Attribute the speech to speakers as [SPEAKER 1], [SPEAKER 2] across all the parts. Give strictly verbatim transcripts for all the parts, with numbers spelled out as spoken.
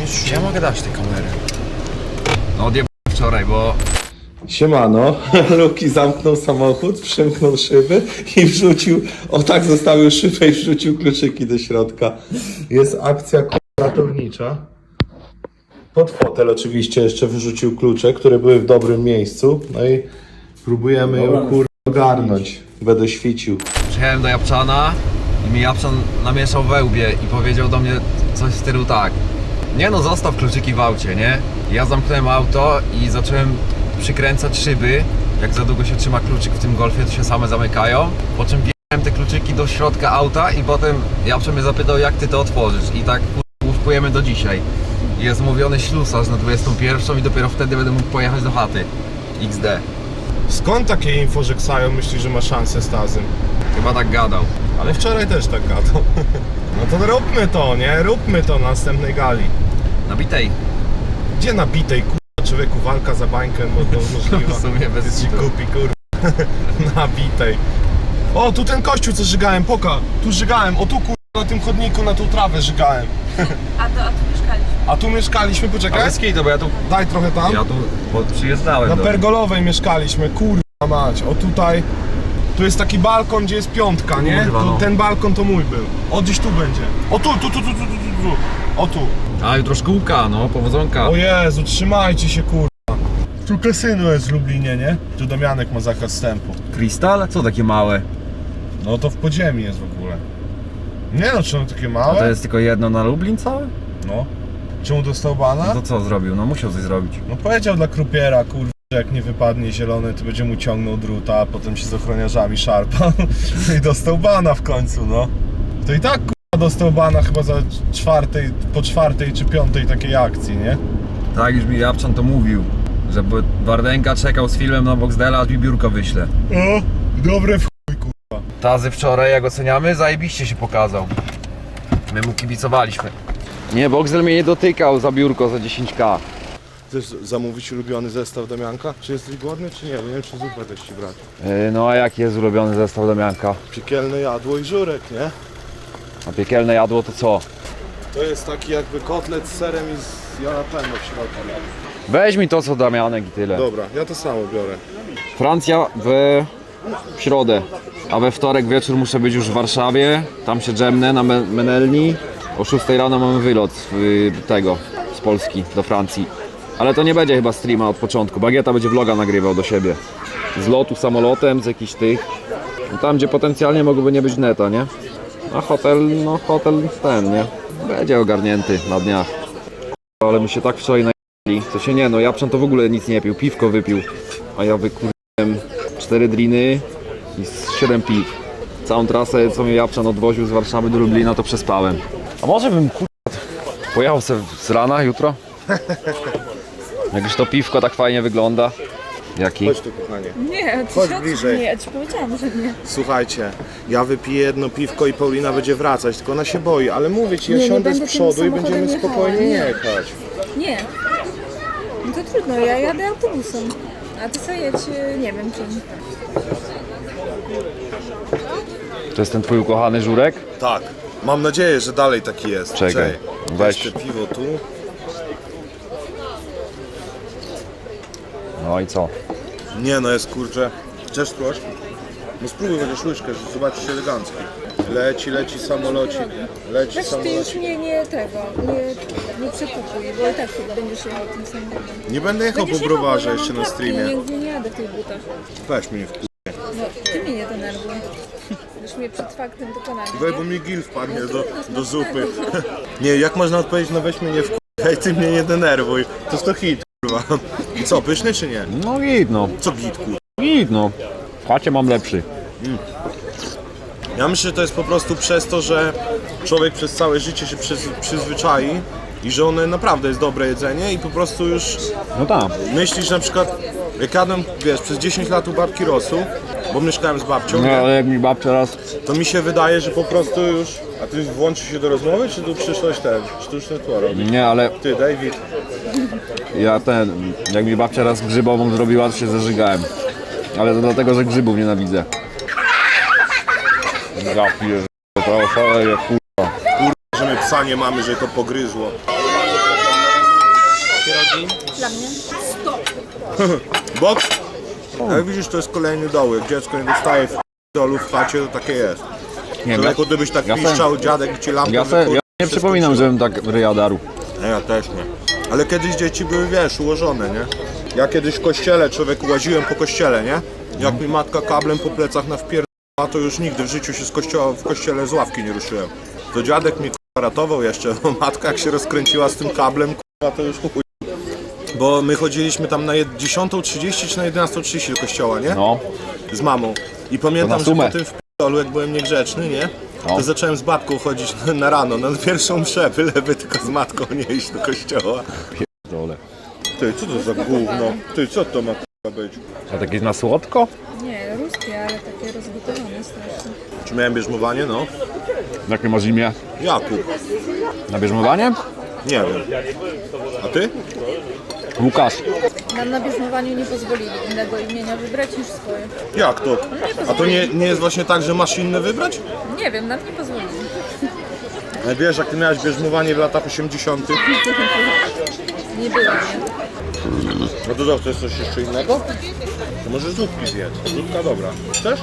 [SPEAKER 1] Czy ja mogę dać te kamery? No odjebałem wczoraj, bo...
[SPEAKER 2] Siemano, Luki zamknął samochód, przymknął szyby i wrzucił, o tak zostawił szybę i wrzucił kluczyki do środka. Jest akcja ratownicza. Pod fotel oczywiście jeszcze wyrzucił klucze, które były w dobrym miejscu. No i próbujemy ją kur... ogarnąć. Będę świecił.
[SPEAKER 1] Przyjechałem do Japczana i mi Japczan namieszał we łbie i powiedział do mnie coś w stylu tak: nie no, zostaw kluczyki w aucie, nie? I ja zamknąłem auto i zacząłem przykręcać szyby. Jak za długo się trzyma kluczyk w tym Golfie, to się same zamykają. Po czym wjechałem te kluczyki do środka auta i potem Japczan mnie zapytał, jak ty to otworzysz. I tak łówkujemy do dzisiaj. Jest umówiony ślusarz na dwudziestą pierwszą i dopiero wtedy będę mógł pojechać do chaty. iks de.
[SPEAKER 3] Skąd takie info, że Ksajo myśli, że ma szansę z Tazem?
[SPEAKER 1] Chyba tak gadał.
[SPEAKER 3] Ale wczoraj też tak gadał. No to róbmy to, nie? Róbmy to na następnej gali.
[SPEAKER 1] Nabitej.
[SPEAKER 3] Gdzie nabitej, kurwa, człowieku, walka za bańkę mo- mo- możliwa.
[SPEAKER 1] W sumie bez
[SPEAKER 3] Jest ci
[SPEAKER 1] kitu.
[SPEAKER 3] głupi, kurwa. Nabitej. O, tu ten kościół, co żygałem, poka. Tu żygałem, o tu, kurwa, na tym chodniku, na tą trawę żygałem.
[SPEAKER 4] A, to, a tu mieszkaliśmy.
[SPEAKER 3] A tu mieszkaliśmy,
[SPEAKER 1] A
[SPEAKER 3] poczekaj.
[SPEAKER 1] bez kitu, bo ja tu,
[SPEAKER 3] Daj trochę tam.
[SPEAKER 1] ja tu bo przyjeżdżałem
[SPEAKER 3] Na
[SPEAKER 1] do...
[SPEAKER 3] Pergolowej mieszkaliśmy, kurwa mać. O tutaj, tu jest taki balkon, gdzie jest piątka, nie?
[SPEAKER 1] Kurwa,
[SPEAKER 3] To,
[SPEAKER 1] no.
[SPEAKER 3] ten balkon to mój był. O, gdzieś tu będzie. O tu, tu, tu, tu, tu, tu, tu, tu. O tu.
[SPEAKER 1] A jutro szkółka, no, powodzonka.
[SPEAKER 3] O Jezu, trzymajcie się, kurwa. Tu kasyno jest w Lublinie, nie? Tu Damianek ma zakaz wstępu.
[SPEAKER 1] Krystal? Co takie małe?
[SPEAKER 3] No to w podziemi jest w ogóle. Nie no, czemu takie
[SPEAKER 1] A
[SPEAKER 3] małe?
[SPEAKER 1] to jest tylko jedno na Lublin całe?
[SPEAKER 3] No. Czemu dostał bana?
[SPEAKER 1] No to co zrobił? No musiał coś zrobić.
[SPEAKER 3] No powiedział dla krupiera, kurwa, że jak nie wypadnie zielony, to będzie mu ciągnął druta, a potem się z ochroniarzami szarpał. I dostał bana w końcu, no. To i tak, kurwa, dostał bana chyba za czwartej, po czwartej czy piątej takiej akcji, nie?
[SPEAKER 1] Tak już mi Japczan to mówił, że Wardenka czekał z filmem na Boxdela, aż mi biurko wyśle.
[SPEAKER 3] O, dobre w chuj, kurwa.
[SPEAKER 1] Tazy wczoraj, jak oceniamy, zajebiście się pokazał. My mu kibicowaliśmy. Nie, Boxdel mnie nie dotykał za biurko za dziesięć ka.
[SPEAKER 3] Chcesz zamówić ulubiony zestaw Damianka? Czy jesteś głodny, czy nie? Nie wiem, czy zupę też ci brać.
[SPEAKER 1] Yy, no a jaki jest ulubiony zestaw Damianka?
[SPEAKER 3] Piekielne jadło i żurek, nie?
[SPEAKER 1] A piekielne jadło to co?
[SPEAKER 3] To jest taki jakby kotlet z serem i z jalapeno w środku.
[SPEAKER 1] Weź mi to co Damianek i tyle.
[SPEAKER 3] Dobra, ja to samo biorę.
[SPEAKER 1] Francja w środę, a we wtorek wieczór muszę być już w Warszawie. Tam się dżemnę na Me- Menelni. O szóstej rano mamy wylot y, tego, z Polski do Francji. Ale to nie będzie chyba streama od początku. Bagieta będzie vloga nagrywał do siebie. Z lotu samolotem, z jakichś tych. Tam gdzie potencjalnie mogłoby nie być neta, nie? A hotel, no hotel ten, nie? Będzie ogarnięty na dniach. Ale my się tak wczoraj najebali. To się nie, no Japczan to w ogóle nic nie pił, piwko wypił. A ja wykurzyłem cztery driny i z siedem piw. Całą trasę, co mnie Japczan odwoził z Warszawy do Lublina, to przespałem. A może bym kur... pojechał se z rana jutro? Jak już to piwko tak fajnie wygląda. Jaki?
[SPEAKER 3] Chodź tu, kochanie.
[SPEAKER 4] Nie, ty
[SPEAKER 3] Chodź
[SPEAKER 4] się
[SPEAKER 3] bliżej.
[SPEAKER 4] Nie, ja ci powiedziałam, że nie.
[SPEAKER 3] Słuchajcie, ja wypiję jedno piwko i Paulina będzie wracać, tylko ona się boi, ale mówię ci, ja
[SPEAKER 4] Nie, nie
[SPEAKER 3] siądę z
[SPEAKER 4] będę tym
[SPEAKER 3] przodu i
[SPEAKER 4] samochodem
[SPEAKER 3] będziemy
[SPEAKER 4] jechała,
[SPEAKER 3] spokojnie
[SPEAKER 4] nie.
[SPEAKER 3] jechać.
[SPEAKER 4] Nie. No to trudno, ja jadę autobusem. A ty co jedź, y, nie wiem czym.
[SPEAKER 1] To jest ten twój ukochany żurek?
[SPEAKER 3] Tak, mam nadzieję, że dalej taki jest.
[SPEAKER 1] Czekaj,
[SPEAKER 3] Weź.
[SPEAKER 1] weź.
[SPEAKER 3] Jeszcze piwo tu.
[SPEAKER 1] No i co?
[SPEAKER 3] Nie no, jest kurczę. Chcesz spróbować? No spróbuj chociaż łyżkę, że zobaczysz elegancki. Leci, leci samolocik. Leci
[SPEAKER 4] Weź ty już
[SPEAKER 3] samolocik.
[SPEAKER 4] nie, nie tego, nie, nie przekupuj, bo i tak chyba będziesz jechał tym samochodem.
[SPEAKER 3] Nie będę jechał po
[SPEAKER 4] Będziesz jechał,
[SPEAKER 3] browarze
[SPEAKER 4] bo ja
[SPEAKER 3] jeszcze
[SPEAKER 4] mam
[SPEAKER 3] na
[SPEAKER 4] klapki,
[SPEAKER 3] streamie.
[SPEAKER 4] Nie, nie jadę w tych butach.
[SPEAKER 3] Weź mnie w
[SPEAKER 4] No, ty mnie nie denerwuj. Już mnie przed faktem dokonania.
[SPEAKER 3] Weź, bo mi gil wpadnie do, do zupy. Nie, jak można odpowiedzieć, no weź mnie nie w hej, ty mnie nie denerwuj. To jest to hit, kurwa. I co, pyszny czy nie?
[SPEAKER 1] No git no.
[SPEAKER 3] Co git, kurwa?
[SPEAKER 1] Git no. W chacie mam lepszy.
[SPEAKER 3] Ja myślę, że to jest po prostu przez to, że człowiek przez całe życie się przyz, przyzwyczai i że one naprawdę jest dobre jedzenie i po prostu już
[SPEAKER 1] No tak.
[SPEAKER 3] myślisz na przykład, jak jadłem, wiesz, przez dziesięć lat u babki Rosu, bo mieszkałem z babcią,
[SPEAKER 1] No
[SPEAKER 3] nie?
[SPEAKER 1] ale jak mi babcia raz...
[SPEAKER 3] To mi się wydaje, że po prostu już... A ty włączysz się do rozmowy, czy tu przyszłeś ten sztuczne tło robić?
[SPEAKER 1] Nie, ale
[SPEAKER 3] Ty, David.
[SPEAKER 1] ja ten... Jak mi babcia raz grzybową zrobiła, to się zażygałem. Ale to dlatego, że grzybów nienawidzę. Ja pierdolę, to szaleje, kur...
[SPEAKER 3] Że my psa nie mamy, że to pogryzło.
[SPEAKER 2] pierogi?
[SPEAKER 4] Dla mnie.
[SPEAKER 3] Boks? Jak widzisz, to jest kolejny dołek. Dziecko nie dostaje w dolu w chacie, to takie jest.
[SPEAKER 1] Nie wiem,
[SPEAKER 3] Człowieku, gdybyś tak
[SPEAKER 1] ja se-
[SPEAKER 3] piszczał, dziadek i ci lampę
[SPEAKER 1] ja, se,
[SPEAKER 3] wykurzył,
[SPEAKER 1] ja nie
[SPEAKER 3] się
[SPEAKER 1] przypominam,
[SPEAKER 3] skończyło.
[SPEAKER 1] żebym tak ryja darł.
[SPEAKER 3] Nie, ja też nie. Ale kiedyś dzieci były, wiesz, ułożone, nie? Ja kiedyś w kościele, człowieku, łaziłem po kościele, nie? Jak mi matka kablem po plecach na wpierdala, to już nigdy w życiu się z kościoła, w kościele z ławki nie ruszyłem. To dziadek mnie k***a ratował jeszcze, bo matka jak się rozkręciła z tym kablem, k***a, to już chuj. Bo my chodziliśmy tam na dziesiątą trzydzieści czy na jedenastą trzydzieści do kościoła, nie?
[SPEAKER 1] No,
[SPEAKER 3] Z mamą. I
[SPEAKER 1] To
[SPEAKER 3] pamiętam,
[SPEAKER 1] na
[SPEAKER 3] że
[SPEAKER 1] sumę.
[SPEAKER 3] po tym wpierdolu, jak byłem niegrzeczny, nie? To
[SPEAKER 1] No.
[SPEAKER 3] zacząłem z babką chodzić na, na rano, na pierwszą mszę, byleby tylko z matką nie iść do kościoła.
[SPEAKER 1] dole.
[SPEAKER 3] Ty, co to za gówno? Ty, co to ma k***a być?
[SPEAKER 1] A takie na słodko?
[SPEAKER 4] Nie, ruskie, ale takie rozgotowane strasznie.
[SPEAKER 3] Czy miałem bierzmowanie? No.
[SPEAKER 1] Jakie masz imię?
[SPEAKER 3] Jakub.
[SPEAKER 1] Na bierzmowanie?
[SPEAKER 3] Nie wiem. A ty?
[SPEAKER 1] Łukasz.
[SPEAKER 4] Nam na bierzmowaniu nie pozwolili innego imienia wybrać niż swoje.
[SPEAKER 3] Jak to? A to nie, nie jest właśnie tak, że masz inne wybrać?
[SPEAKER 4] Nie wiem, nam nie pozwolili.
[SPEAKER 3] Ale wiesz, jak ty miałeś bierzmowanie w latach osiemdziesiątych,
[SPEAKER 4] Nie było, nie?
[SPEAKER 3] no to co, chcesz coś jeszcze innego? To może zupki zjedz. Zupka dobra. Chcesz?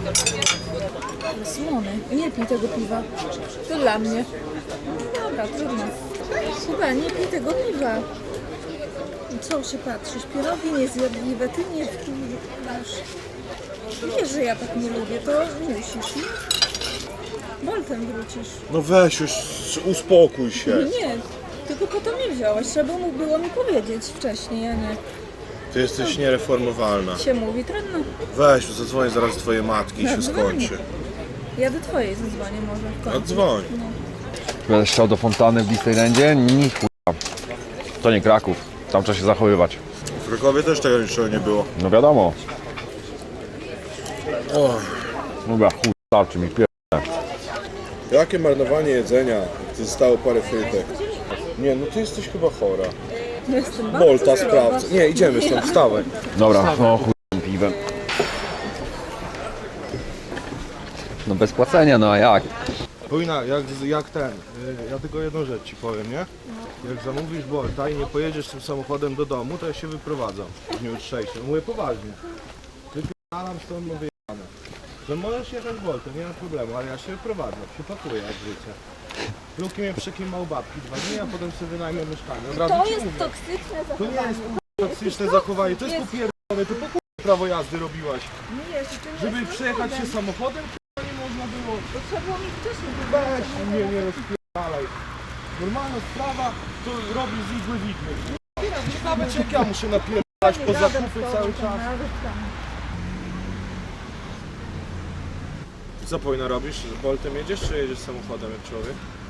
[SPEAKER 4] Słony. Nie pij tego piwa. To dla mnie. Dobra, trudno. Chyba nie pij tego piwa. Co się patrzysz? Pierogi niezjadliwe, ty nie masz. Wiesz, że ja tak nie lubię, to musisz. Boltem wrócisz.
[SPEAKER 3] No weź już, uspokój się.
[SPEAKER 4] Nie, tylko po to mnie wziąłeś. Trzeba mu było mi powiedzieć wcześniej, a nie
[SPEAKER 3] Ty jesteś niereformowalna.
[SPEAKER 4] się mówi. Trudno.
[SPEAKER 3] Weź, zadzwonię zaraz do twojej matki i się
[SPEAKER 4] Zadzwonię.
[SPEAKER 3] skończy.
[SPEAKER 4] Ja do twojej zadzwonię może w końcu.
[SPEAKER 3] A dzwoń.
[SPEAKER 1] Będę chciał do fontanny w Disneylandzie? Ni chuja. To nie Kraków. Tam trzeba się zachowywać.
[SPEAKER 3] W Krakowie też tego niczego nie było.
[SPEAKER 1] No wiadomo. Dobra, chuj, starczy mi pier...
[SPEAKER 3] Jakie marnowanie jedzenia? To zostało parę frytek. Nie, no ty jesteś chyba chora.
[SPEAKER 4] Jestem bardzo
[SPEAKER 3] Bolta
[SPEAKER 4] zdrowa.
[SPEAKER 3] sprawdza. Nie, idziemy stąd, wstawaj.
[SPEAKER 1] Dobra, no chuj tym piwem. No bez płacenia, no a jak?
[SPEAKER 3] Powinna, jak, jak ten, y, ja tylko jedną rzecz ci powiem, nie? Jak zamówisz Bolta i nie pojedziesz tym samochodem do domu, to ja się wyprowadzam w dniu jutrzejszym. Mówię poważnie. Wypierdalam stąd, no wyjechane. Że możesz jechać Boltem, nie ma problemu, ale ja się wyprowadzam, się pakuję jak życie. Luki mnie przekimał babki dwa dni, a potem sobie wynajmę mieszkanie. Od razu
[SPEAKER 4] To
[SPEAKER 3] ci
[SPEAKER 4] jest
[SPEAKER 3] mówię.
[SPEAKER 4] toksyczne
[SPEAKER 3] To nie
[SPEAKER 4] zachowanie.
[SPEAKER 3] jest k***a, toksyczne zachowanie, to jest popierdolone, to po k***a prawo jazdy robiłaś.
[SPEAKER 4] Nie, że ty nie
[SPEAKER 3] Żeby
[SPEAKER 4] jesteś
[SPEAKER 3] przejechać się
[SPEAKER 4] samochodem.
[SPEAKER 3] samochodem, k***a, nie można było.
[SPEAKER 4] To trzeba było mi wcześniej
[SPEAKER 3] Weź mnie nie rozpierdalaj. Normalna sprawa, to robi z igły widmy. Ciekawe czy jak ja muszę napierdalać po zakupy cały czas. Co powinna robisz? Z Boltem jedziesz czy jedziesz samochodem jak człowiek?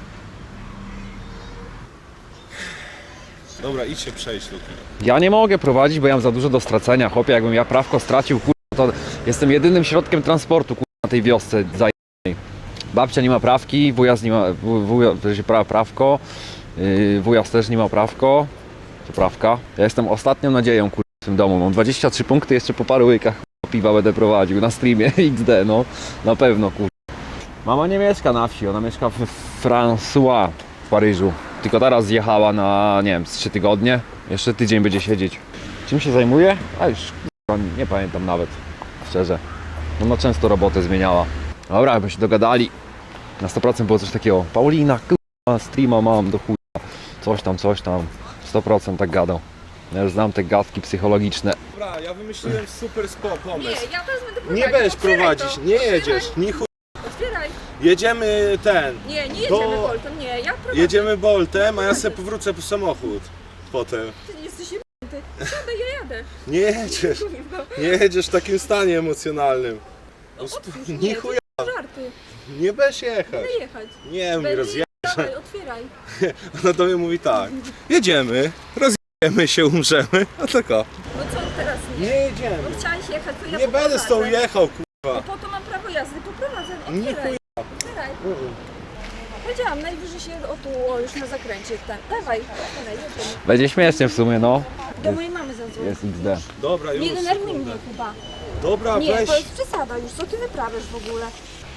[SPEAKER 3] Dobra, idź się przejść, Luki.
[SPEAKER 1] Ja nie mogę prowadzić, bo ja mam za dużo do stracenia. Chłopie, jakbym ja prawko stracił, kurwa, to jestem jedynym środkiem transportu, kurwa, na tej wiosce zajebanej. Babcia nie ma prawki, wujas nie ma, wuj- wuja, to się pra, prawko, yy, wujas też nie ma prawko, to prawka. Ja jestem ostatnią nadzieją, kurwa, w tym domu. Mam dwadzieścia trzy punkty, jeszcze po paru łykach kurwa, piwa będę prowadził na streamie X D, no, na pewno, kurwa. Mama nie mieszka na wsi, ona mieszka w François w Paryżu. Tylko teraz zjechała na, nie wiem, z trzy tygodnie. Jeszcze tydzień będzie siedzieć. Czym się zajmuje? A już kurwa, nie pamiętam nawet, szczerze. Ona często robotę zmieniała. Dobra, jakby się dogadali. Na sto procent było coś takiego. Paulina, kurwa, streama mam do chuja. Coś tam, coś tam. sto procent tak gadał. Ja już znam te gadki psychologiczne.
[SPEAKER 3] Dobra, ja wymyśliłem super spo pomysł.
[SPEAKER 4] Nie, ja wezmę do
[SPEAKER 3] Nie
[SPEAKER 4] prowadzić.
[SPEAKER 3] będziesz
[SPEAKER 4] Otwieraj
[SPEAKER 3] prowadzić,
[SPEAKER 4] to.
[SPEAKER 3] nie
[SPEAKER 4] Otwieraj.
[SPEAKER 3] jedziesz, nie chuj.
[SPEAKER 4] Otwieraj.
[SPEAKER 3] Jedziemy ten,
[SPEAKER 4] Nie, nie
[SPEAKER 3] To-
[SPEAKER 4] jedziemy Boltem, nie, ja prowadzę.
[SPEAKER 3] jedziemy Boltem, a ja sobie powrócę po samochód potem.
[SPEAKER 4] Ty jesteś jebnięty. Jadę, ja jadę.
[SPEAKER 3] Nie jedziesz, nie jedziesz w takim stanie emocjonalnym.
[SPEAKER 4] Otwórz,
[SPEAKER 3] Nie
[SPEAKER 4] nie,
[SPEAKER 3] chuja,
[SPEAKER 4] to żarty.
[SPEAKER 3] nie będziesz jechać.
[SPEAKER 4] Będę jechać.
[SPEAKER 3] Nie, mi
[SPEAKER 4] Będę
[SPEAKER 3] rozje...
[SPEAKER 4] Dawaj, otwieraj.
[SPEAKER 3] Ona do mnie mówi tak, jedziemy, rozjedziemy się, umrzemy, a tylko.
[SPEAKER 4] No co teraz nie?
[SPEAKER 3] Nie jedziemy,
[SPEAKER 4] No chciałeś jechać, to ja
[SPEAKER 3] nie będę z tą
[SPEAKER 4] poprowadzę.
[SPEAKER 3] jechał,
[SPEAKER 4] No
[SPEAKER 3] kurwa.
[SPEAKER 4] po to mam prawo jazdy, poprowadzę.
[SPEAKER 3] Nie
[SPEAKER 4] Otwieraj.
[SPEAKER 3] chuja.
[SPEAKER 4] Otwieraj. Powiedziałam, najwyżej się o tu, o, już na zakręcie. Tam. Dawaj, otwieraj, jedziemy.
[SPEAKER 1] Będzie śmiesznie w sumie, no.
[SPEAKER 4] Do mojej mamy zadzwoń.
[SPEAKER 1] Jest X D.
[SPEAKER 3] Dobra, już.
[SPEAKER 4] Nie denerwuj mnie chyba.
[SPEAKER 3] Dobra,
[SPEAKER 4] Nie,
[SPEAKER 3] weź.
[SPEAKER 4] to jest przesada już, co ty wyprawiasz w ogóle?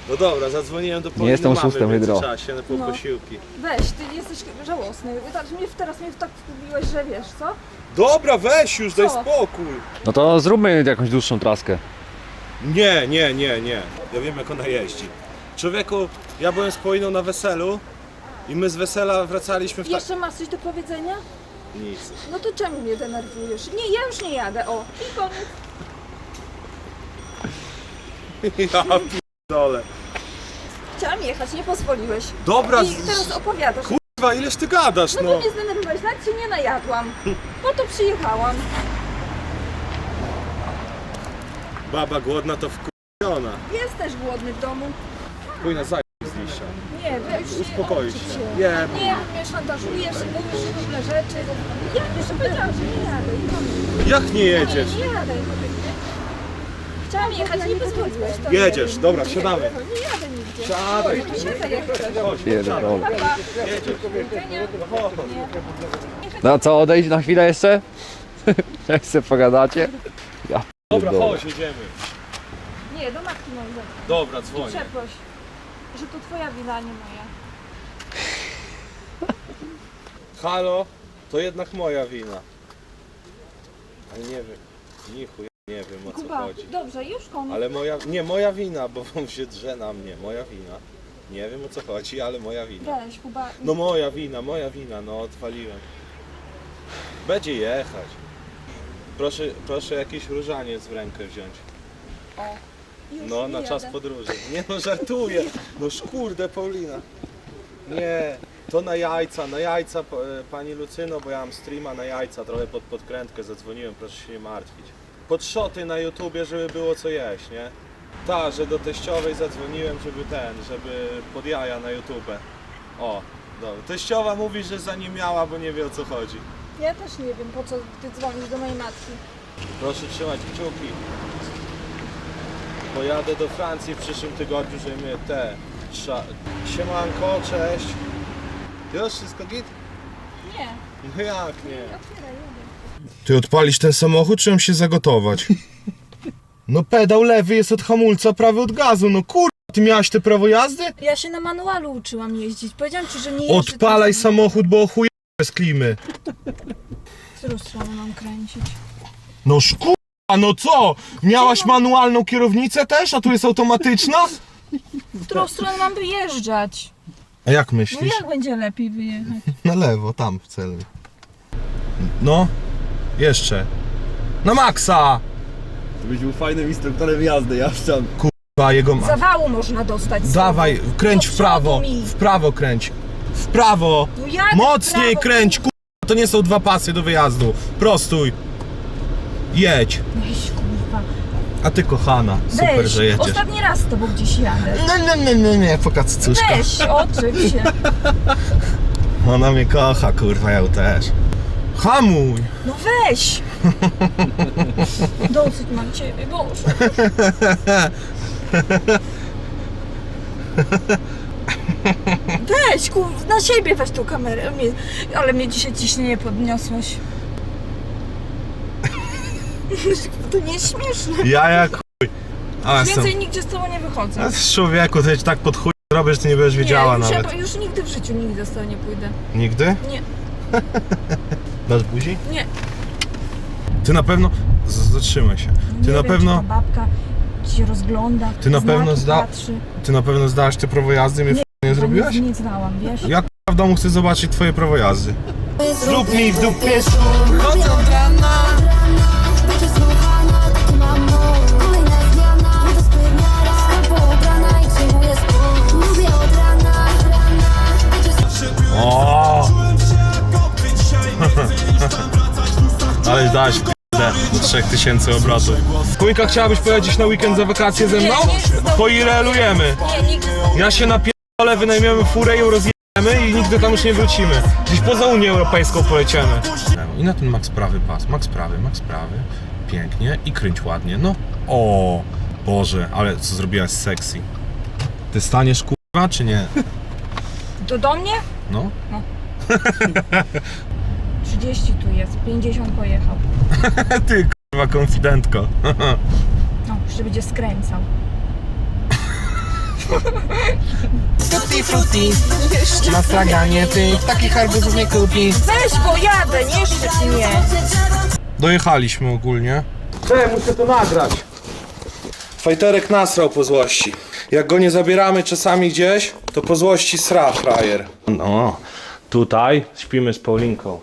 [SPEAKER 3] No dobra, zadzwoniłem do
[SPEAKER 1] Nie jestem
[SPEAKER 3] mamy
[SPEAKER 1] oszustem,
[SPEAKER 3] w
[SPEAKER 1] Hydro.
[SPEAKER 3] międzyczasie na pół
[SPEAKER 4] No.
[SPEAKER 3] posiłki.
[SPEAKER 4] Weź, ty jesteś żałosny. Tak, mnie, teraz mnie tak wkubiłeś, że wiesz co?
[SPEAKER 3] Dobra, weź już, daj
[SPEAKER 4] Co?
[SPEAKER 3] spokój.
[SPEAKER 1] No to zróbmy jakąś dłuższą traskę.
[SPEAKER 3] Nie, nie, nie, nie. Ja wiem jak ona jeździ. Człowieku, ja byłem z Poliną na weselu i my z wesela wracaliśmy w tak...
[SPEAKER 4] Jeszcze masz coś do powiedzenia?
[SPEAKER 3] Nic.
[SPEAKER 4] No to czemu mnie denerwujesz? Nie, ja już nie jadę, o. I koniec.
[SPEAKER 3] Ja p***dolę.
[SPEAKER 4] Chciałam jechać, nie pozwoliłeś.
[SPEAKER 3] Dobra,
[SPEAKER 4] I
[SPEAKER 3] z-
[SPEAKER 4] teraz opowiadasz.
[SPEAKER 3] Kurwa, ileż ty gadasz,
[SPEAKER 4] No
[SPEAKER 3] no.
[SPEAKER 4] bo mnie zdenerwowałeś, nawet się nie najadłam. Po to przyjechałam.
[SPEAKER 3] Baba głodna to wkurwiona.
[SPEAKER 4] Jest też głodny w domu.
[SPEAKER 3] Pójna zaj z liścia.
[SPEAKER 4] Nie, wy już nie
[SPEAKER 3] Uspokoić
[SPEAKER 4] odczyć
[SPEAKER 3] się.
[SPEAKER 4] Nie,
[SPEAKER 3] Nie.
[SPEAKER 4] nie, mnie szantażujesz, mówisz różne rzeczy. Ja jeszcze powiedziałam, że nie jadę. I koniec.
[SPEAKER 3] Jak nie jedziesz?
[SPEAKER 4] Nie, nie jadę. Chciałam jechać, nie pozwoliłeś. To
[SPEAKER 3] Jedziesz,
[SPEAKER 4] nie.
[SPEAKER 3] dobra,
[SPEAKER 4] Nie,
[SPEAKER 3] siadamy.
[SPEAKER 4] Nie jadę nigdzie.
[SPEAKER 3] Siadaj.
[SPEAKER 4] No to siadaj jak chcesz.
[SPEAKER 3] Chodź,
[SPEAKER 1] Pierdolę.
[SPEAKER 3] siadaj.
[SPEAKER 4] Pa, pa.
[SPEAKER 3] Jedziesz.
[SPEAKER 4] Widzenia. Nie.
[SPEAKER 1] No co, odejść na chwilę jeszcze? Jak sobie pogadacie? Ja
[SPEAKER 3] Dobra,
[SPEAKER 1] pierdolę.
[SPEAKER 3] chodź, jedziemy.
[SPEAKER 4] Nie, do matki mam zadzwonić.
[SPEAKER 3] Dobra, dzwonię.
[SPEAKER 4] Przeproś, że to twoja wina, nie moja.
[SPEAKER 3] Halo, to jednak moja wina. Ale nie wiem, ni chuj, nie wiem o co
[SPEAKER 4] Kuba,
[SPEAKER 3] chodzi.
[SPEAKER 4] dobrze, już koniec.
[SPEAKER 3] Ale moja, nie moja wina, bo on się drze na mnie, moja wina. Nie wiem o co chodzi, ale moja wina.
[SPEAKER 4] Weź, Kuba.
[SPEAKER 3] No moja wina, moja wina, no odwaliłem. Będzie jechać. Proszę, proszę jakiś różaniec w rękę wziąć.
[SPEAKER 4] O, już
[SPEAKER 3] No,
[SPEAKER 4] nie
[SPEAKER 3] na czas
[SPEAKER 4] jadę.
[SPEAKER 3] podróży. Nie no, żartuję. No kurde, Paulina. Nie, to na jajca, na jajca, p- e, pani Lucyno, bo ja mam streama na jajca, trochę pod podkrętkę zadzwoniłem, proszę się nie martwić. Pod szoty na YouTubie, żeby było co jeść, nie? Ta, że do teściowej zadzwoniłem, żeby ten, żeby pod jaja na YouTube. O, dobra. Teściowa mówi, że za nim miała, bo nie wie o co chodzi.
[SPEAKER 4] Ja też nie wiem, po co ty dzwonisz do mojej matki.
[SPEAKER 3] Proszę trzymać kciuki. Pojadę do Francji w przyszłym tygodniu, żeby mnie te... Trza... Siemanko, cześć. Już wszystko git?
[SPEAKER 4] Nie,
[SPEAKER 3] No jak nie?
[SPEAKER 4] otwieraj, jadę.
[SPEAKER 3] Ty odpalisz ten samochód, czy mam się zagotować? No pedał lewy jest od hamulca, prawy od gazu, no kur... Ty miałaś te prawo jazdy?
[SPEAKER 4] Ja się na manualu uczyłam jeździć. Powiedziałam ci, że nie jeżdżę.
[SPEAKER 3] Odpalaj
[SPEAKER 4] tym-
[SPEAKER 3] samochód, bo chuj z klimy.
[SPEAKER 4] W którą stronę mam kręcić?
[SPEAKER 3] No kurwa, no co? Miałaś manualną kierownicę też, a tu jest automatyczna?
[SPEAKER 4] W którą stronę mam wyjeżdżać?
[SPEAKER 3] A jak
[SPEAKER 4] No
[SPEAKER 3] myślisz?
[SPEAKER 4] jak będzie lepiej wyjechać?
[SPEAKER 3] Na lewo, tam w celu. No, jeszcze. Na maksa!
[SPEAKER 1] Byś był fajnym instruktorem jazdy, ja chciałem.
[SPEAKER 3] Kurwa, jego ma...
[SPEAKER 4] Zawału można dostać. z
[SPEAKER 3] Dawaj,
[SPEAKER 4] tyłu.
[SPEAKER 3] kręć
[SPEAKER 4] Do
[SPEAKER 3] w prawo,
[SPEAKER 4] przodu mi.
[SPEAKER 3] w prawo kręć. W prawo!
[SPEAKER 4] No jadę w
[SPEAKER 3] Mocniej
[SPEAKER 4] prawo.
[SPEAKER 3] kręć, kurwa, to nie są dwa pasy do wyjazdu. Prostuj. Jedź.
[SPEAKER 4] Weź, kurwa.
[SPEAKER 3] A ty kochana, super,
[SPEAKER 4] Weź,
[SPEAKER 3] że jedziesz.
[SPEAKER 4] ostatni raz z tobą gdzieś jadę.
[SPEAKER 3] Nie, nie, nie, nie, nie, pokacuszka.
[SPEAKER 4] Weź, otrzyj się.
[SPEAKER 3] Ona mnie kocha, kurwa, ja ją też. Hamuj!
[SPEAKER 4] No weź! Dosyć mam ciebie, Boże. Weź, kur... na siebie weź tą kamerę. Mnie... Ale mnie dzisiaj ciśnienie podniosłeś. To nie jest śmieszne.
[SPEAKER 3] Ja jak chuj. A,
[SPEAKER 4] Już
[SPEAKER 3] jestem...
[SPEAKER 4] więcej nigdzie z tobą nie wychodzę.
[SPEAKER 3] A z człowieku, to ci tak pod chuj robię, że ty nie będziesz wiedziała
[SPEAKER 4] nie, już,
[SPEAKER 3] nawet.
[SPEAKER 4] ja, już nigdy w życiu nigdy z tobą nie pójdę.
[SPEAKER 3] Nigdy?
[SPEAKER 4] Nie,
[SPEAKER 3] Dasz buzi?
[SPEAKER 4] nie.
[SPEAKER 3] Ty na pewno... Z- Zatrzymaj się. Ty
[SPEAKER 4] nie
[SPEAKER 3] na
[SPEAKER 4] wiem,
[SPEAKER 3] pewno...
[SPEAKER 4] Czy ta babka się rozgląda.
[SPEAKER 3] Ty na
[SPEAKER 4] znaki
[SPEAKER 3] pewno zda-
[SPEAKER 4] patrzy.
[SPEAKER 3] Ty na pewno zdałaś te prawo jazdy i mnie
[SPEAKER 4] Nie,
[SPEAKER 3] nie, nie
[SPEAKER 4] Bo
[SPEAKER 3] zrobiłaś?
[SPEAKER 4] Nie, nie znałam, wiesz?
[SPEAKER 3] Ja k***a w domu chcę zobaczyć twoje prawo jazdy. Zrób mi w dupie
[SPEAKER 5] Chodzę od rana, będzie słuchana, taki mam moc. Kolejna zmiana, nie to spełniara. Albo ubrana i przyjmuję spód. Lubię od rana, będzie
[SPEAKER 3] O! Ale dałaś w p***e do trzech tysięcy obrotów. Kujka, chciałabyś pojeździć na weekend za wakacje ze mną?
[SPEAKER 4] Nie, nie chcę z tobą.
[SPEAKER 3] Poirelujemy.
[SPEAKER 4] Nie, nigdy z tobą.
[SPEAKER 3] Ja się napierdolę, wynajmiemy furę i ją rozjedziemy i nigdy tam już nie wrócimy. Gdzieś poza Unię Europejską poleciemy. I na ten max prawy pas, max prawy, max prawy. Pięknie i kręć ładnie, no. O, Boże, ale co zrobiłaś sexy. Ty staniesz kurwa, czy nie?
[SPEAKER 4] To do mnie?
[SPEAKER 3] No.
[SPEAKER 4] trzydzieści tu jest, pięćdziesiąt pojechał.
[SPEAKER 3] Ty kurwa konfidentko.
[SPEAKER 4] No, jeszcze będzie skręcał.
[SPEAKER 6] Tutti frutti, na straganie ty takich arbuzów nie kupi.
[SPEAKER 4] Weź, bo jadę, nie szczyt mnie.
[SPEAKER 3] Dojechaliśmy ogólnie. Cześć, muszę to nagrać. Fajterek nasrał po złości. Jak go nie zabieramy czasami gdzieś, to po złości sra frajer. No, tutaj śpimy z Paulinką.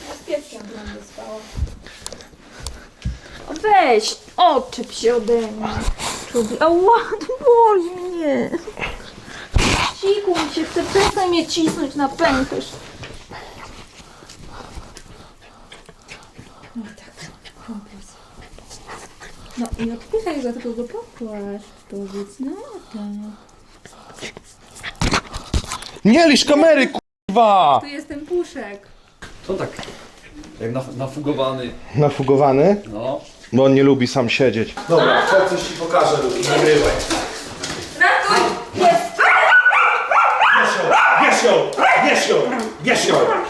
[SPEAKER 4] Weź, odczep się ode mnie. Człowiek, ała, to boli mnie. Ciku mi się chce, przestań mnie cisnąć na pęcherz. No tak, kompas. No i odpychaj go, tylko go popłacz. Powiedz, no tak.
[SPEAKER 3] Nie lisz kamery, kurwa!
[SPEAKER 4] Tu jest ten puszek.
[SPEAKER 1] To tak, jak naf- nafugowany.
[SPEAKER 3] Nafugowany?
[SPEAKER 1] No.
[SPEAKER 3] Bo on nie lubi sam siedzieć. Dobra, chodź coś ci pokażę, Luki, nagrywaj.
[SPEAKER 4] Ratuj! Jest!
[SPEAKER 3] Bierz ją! Bierz ją! Bierz ją!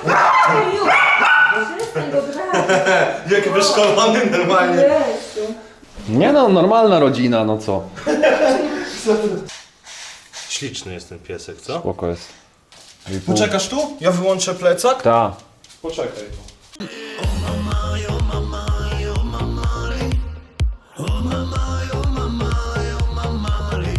[SPEAKER 4] Przestań go brać.
[SPEAKER 3] Jak wyszkolony normalnie.
[SPEAKER 4] Jezu.
[SPEAKER 1] Nie no, normalna rodzina, no co?
[SPEAKER 3] Śliczny jest ten piesek, co?
[SPEAKER 1] Spoko jest.
[SPEAKER 3] Poczekasz tu? Ja wyłączę plecak?
[SPEAKER 1] Ta.
[SPEAKER 3] Poczekaj tu.